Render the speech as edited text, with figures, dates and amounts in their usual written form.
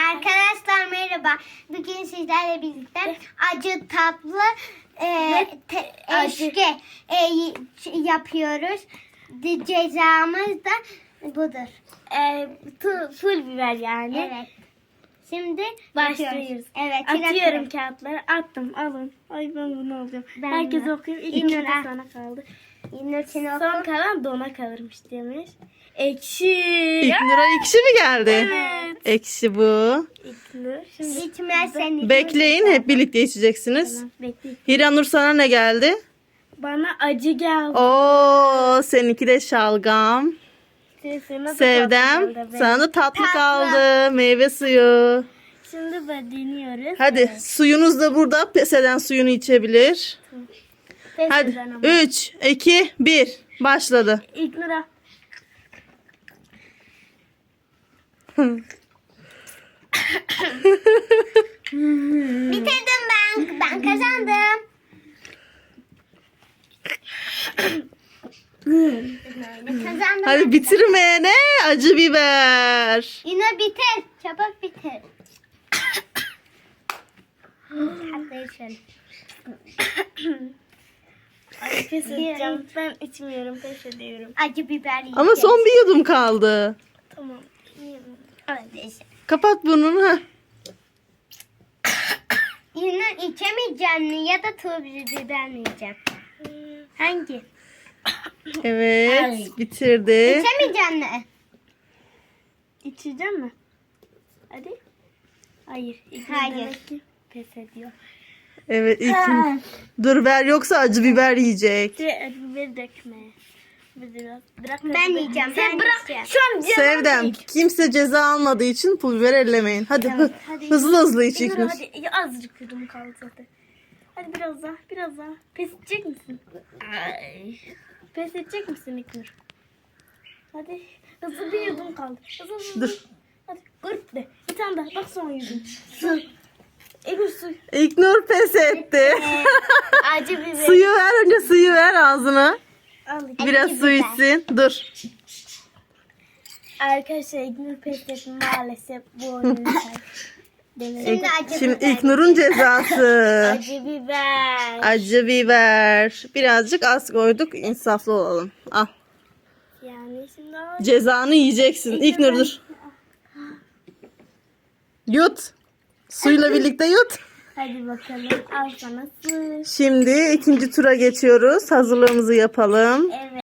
Arkadaşlar merhaba. Bugün sizlerle birlikte acı tatlı eşki yapıyoruz. Cezamız da budur. Full biber yani. Evet. Şimdi Başlıyoruz. Evet. Atıyorum kağıtları. Attım. Alın. Ay ben bunu alacağım. Ben Herkes bunu. okuyor. İlk İlk de Nur, sana kaldı. İlknur seni Son oku. kalan dona kalırmış demiş. Ekşi. İlknur'a ekşi mi geldi? Evet. Ekşi bu. İlknur. Şimdi İçmez seni. Bekleyin, hep birlikte içeceksiniz. Tamam, bekleyin. Hiranur, sana ne geldi? Bana acı geldi. Oo, seninki de şalgam. Sana da Sevdem, tatlı geldi. sana da tatlı Tatlı. kaldı. Meyve suyu. Şimdi ben deniyoruz. Hadi, suyunuz da burada. Pes eden suyunu içebilir. Pes Hadi, eden ama. 3, 2, 1. Başladı. İlknur'a. Bitirdim ben. Ben kazandım. Kazandım. Hadi bitirmeyene acı biber. Yine bitir. Çabuk bitir. Hadi şöyle. Ay pes edeceğim. Ben içmiyorum. Pes ediyorum. Acı biber yiyeceğiz. Ama son bir yudum kaldı. Tamam. Öyle. Kapat burnunu. Heh. Yine içemeyeceğim mi ya da tuz biber mi yiyeceğim? Hangi? Evet, bitirdi. İçemeyeceğim mi? İçeceğim mi? Hadi. Hayır. İlknur Hayır. demek ki pes ediyor. Evet, dur ver, yoksa acı biber yiyecek. Acı biberi dökme. Biraz. Bırak Ben acı biberi. yiyeceğim. Sen Ben bırak. yiyeceğim. Şu an canım Sevdem, değil. kimse ceza almadığı için pul biber ellemeyin. Hadi, Hadi. hızlı hızlı iç İlknur, İlknur. hadi. Ya, azıcık yudum kaldı zaten. Hadi biraz daha. Biraz daha. Pes edecek misin? Ay. Pes edecek misin İlknur? Hadi. Hızlı bir yudum kaldı. Hızlı. Dur. Hadi. Gırp de. Bir tane daha. Bak son yudum. İlknur su. İlknur pes etti. Acı biber. Suyu ver, önce suyu ver ağzına. Al. Biraz su içsin. Dur. Arkadaşlar İlknur pes etti maalesef bu oyunu Şimdi acı Şimdi biber. İlknur'un cezası. Acı biber. Acı biber. Birazcık az koyduk. İnsaflı olalım. Al. Yani şimdi o- Cezanı yiyeceksin. İlknur dur. Yut. Suyla birlikte yut. Hadi bakalım al sana su. Şimdi ikinci tura geçiyoruz. Hazırlığımızı yapalım. Evet.